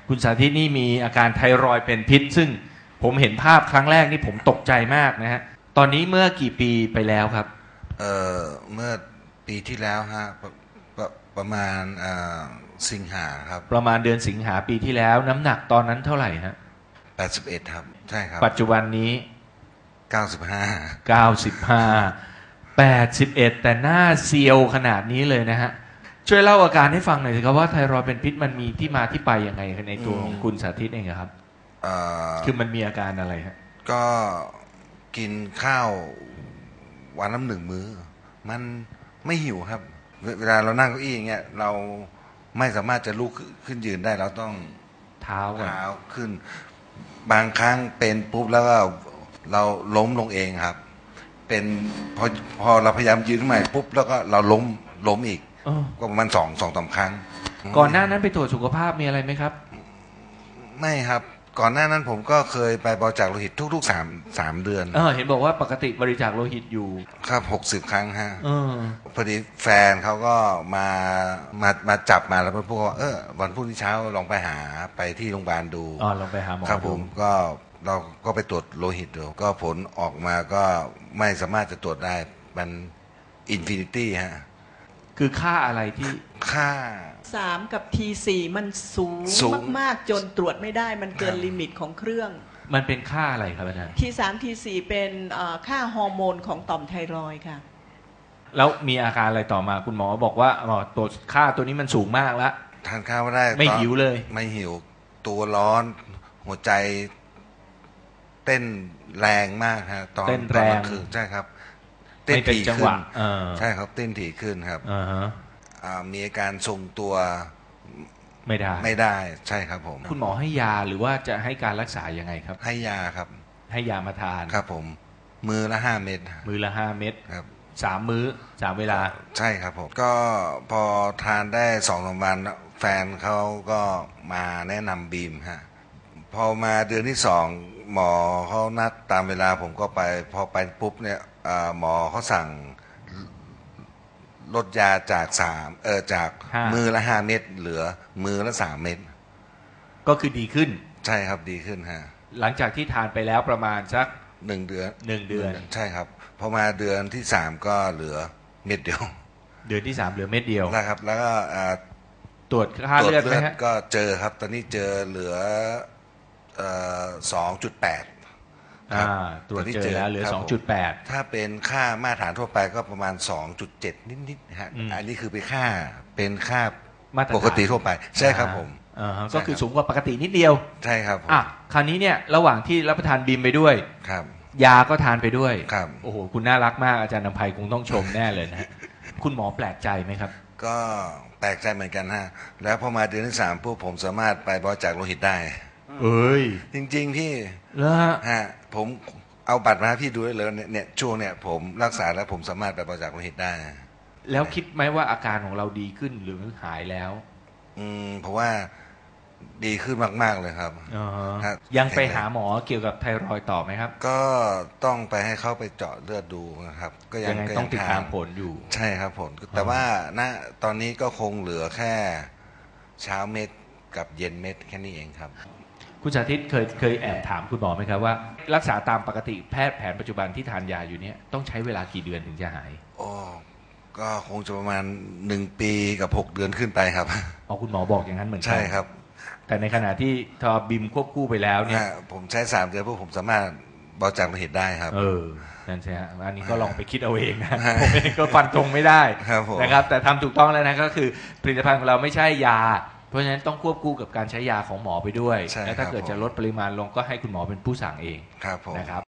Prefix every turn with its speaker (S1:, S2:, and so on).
S1: คุณสาธิตนี่มีอาการไทรอยด์เป็นพิษซึ่งผมเห็นภาพครั้งแรกนี่ผมตกใจมากนะฮะตอนนี้เมื่อกี่ปีไปแล้วครับ
S2: เมื่อปีที่แล้วฮะประมาณสิงหาครับ
S1: ประมาณเดือนสิงหาปีที่แล้วน้ำหนักตอนนั้นเท่าไหร่ฮะ
S2: 81ครับใช่ครับ
S1: ปัจจุบันนี้
S2: 95
S1: 81แต่หน้าเซียวขนาดนี้เลยนะฮะช่วยเล่าอาการให้ฟังหน่อยสิครับว่าไทรอยด์เป็นพิษมันมีที่มาที่ไปยังไงในตัวของคุณสาธิตเองครับคือมันมีอาการอะไรฮะ
S2: ก็กินข้าววันละ1 มื้อมันไม่หิวครับเวลาเรานั่งเก้าอี้อย่างเงี้ยเราไม่สามารถจะลุกขึ้นยืนได้เราต้อง
S1: เท้า
S2: ขึ้นบางครั้งเป็นปุ๊บแล้วก็เราล้มลงเองครับเป็นพอเราพยายามยืนขึ้นมาปุ๊บแล้วก็เราล้มอีกก็ประมาณสองสามครั้ง
S1: ก่อนหน้านั้นไปตรวจสุขภาพมีอะไรไหมครับ
S2: ไม่ครับก่อนหน้านั้นผมก็เคยไปบริจาคโลหิตทุกๆ3 เดือน
S1: เห็นบอกว่าปกติบริจาคโลหิตอยู่
S2: ครับ60 ครั้งฮะพอดีแฟนเขาก็มาจับมาแล้วพูดว่าวันพรุ่งนี้เช้าลองไปหาไปที่โรงพยาบาลดู
S1: ลองไปหาหมอ
S2: ครับผมก็เราก็ไปตรวจโลหิตดูก็ผลออกมาก็ไม่สามารถจะตรวจได้มันอินฟินิตี้ฮะ
S1: คือค่าอะไรที่
S2: ค่า
S3: 3กับ T4 มันสูงมากๆจนตรวจไม่ได้มันเกินลิมิตของเครื่อง
S1: มันเป็นค่าอะไรครับอาจารย์
S3: T3 T4 เป็นค่าฮอร์โมนของต่อมไทรอยด์ค่ะ
S1: แล้วมีอาการอะไรต่อมาคุณหมอบอกว่าตัวค่าตัวนี้มันสูงมากแล้ว
S2: ทานข้าวไม่ได้
S1: ไม่หิวเลย
S2: ไม่หิวตัวร้อนหัวใจเต้นแรงมากฮะ
S1: ตอนแรง
S2: คือใช่ครับเต้นถี่ขึ้นใช่ครับเต้นถี่ขึ้นครับมีอาการทรงตัวไม่ได้ใช่ครับผม
S1: คุณหมอให้ยาหรือว่าจะให้การรักษายังไงครับ
S2: ให้ยาครับ
S1: ให้ยามาทาน
S2: ครับผมมื้อละ5 เม็ด
S1: มื้อละ5 เม็ด
S2: ครับ
S1: 3 มื้อ3 เวลา
S2: ใช่ครับผมก็พอทานได้2-3 วันแฟนเขาก็มาแนะนำบีมฮะพอมาเดือนที่2หมอเขานัดตามเวลาผมก็ไปพอไปปุ๊บเนี่ยหมอเขาสั่งลดยาจากจากมือละ5 เม็ดเหลือมือละ3 เม็ด
S1: ก็คือดีขึ้น
S2: ใช่ครับดีขึ้นฮะ
S1: หลังจากที่ทานไปแล้วประมาณสัก
S2: 1 เดือนใช่ครับพอมาเดือนที่3ก็เหลือเม็ดเดียว
S1: เดือนที่3เหลือเม็ดเดียว
S2: นะครับแล้วก็
S1: ตรวจค่าเลือดไหมฮะ
S2: ก็เจอครับตอนนี้เจอเหลือ2.8
S1: ตรวจเจอแล้วเหลือ 2.8
S2: ถ้าเป็นค่ามาตรฐานทั่วไปก็ประมาณ 2.7 นิดๆฮะอันนี้คือเป็นค่าปกติทั่วไปใช่ครับผม
S1: ก็คือสูงกว่าปกตินิดเดียว
S2: ใช่ครับ
S1: คราวนี้เนี่ยระหว่างที่รับประทานบีมไปด้วย
S2: ครับ
S1: ยาก็ทานไปด้วย
S2: ครับ
S1: โอ้โหคุณน่ารักมากอาจารย์นำไพคงต้องชมแน่เลยนะคุณหมอแปลกใจไหมครับ
S2: ก็แปลกใจเหมือนกันฮะแล้วพอมาเดือนที่3พวกผมสามารถไปบริจาคโลหิตได้จริงๆพี่ฮะผมเอาบัตรมาให้พี่ดูได้เลยเนี่ยช่วงเนี่ยผมรักษาแล้วผมสามารถไปบริจาคโลหิตได้
S1: แล้วคิดไหมว่าอาการของเราดีขึ้นหรือหายแล้ว
S2: เพราะว่าดีขึ้นมากๆเลยครับ
S1: ยังไปหาหมอเกี่ยวกับไทรอยด์ต่อไหมครับ
S2: ก็ต้องไปให้เขาไปเจาะเลือดดูนะครับก็ยัง
S1: ต้องติดตามผลอยู่
S2: ใช่ครับผลแต่ว่าณตอนนี้ก็คงเหลือแค่เช้าเม็ดกับเย็นเม็ดแค่นี้เองครับ
S1: คุณสาธิตเคยแอบถามคุณหมอไหมครับว่ารักษาตามปกติแพทย์แผนปัจจุบันที่ทานยาอยู่เนี่ยต้องใช้เวลากี่เดือนถึงจะหาย
S2: ก็คงจะประมาณ1 ปีกับ6 เดือนขึ้นไปครับ
S1: คุณหมอบอกอย่างนั้นเหมือนกัน
S2: ใช่ครับ
S1: แต่ในขณะที่ทอบิมควบคู่ไปแล้วเนี่ย
S2: ผมใช้3 เดือนพวกผมสามารถบริจาคโลหิตได้ครับ
S1: นั่นใช่ฮะอันนี้ก็ลองไปคิดเอาเองนะผมเองก็ฟันธงไม่ได้นะครับแต่ทำถูกต้องแล้วนะก็คือผลิตภัณฑ์ของเราไม่ใช่ยาเพราะฉะนั้นต้องควบคู่กับการใช้ยาของหมอไปด้วยและถ้าเกิดจะลดปริมาณลงก็ให้คุณหมอเป็นผู้สั่งเองนะครับ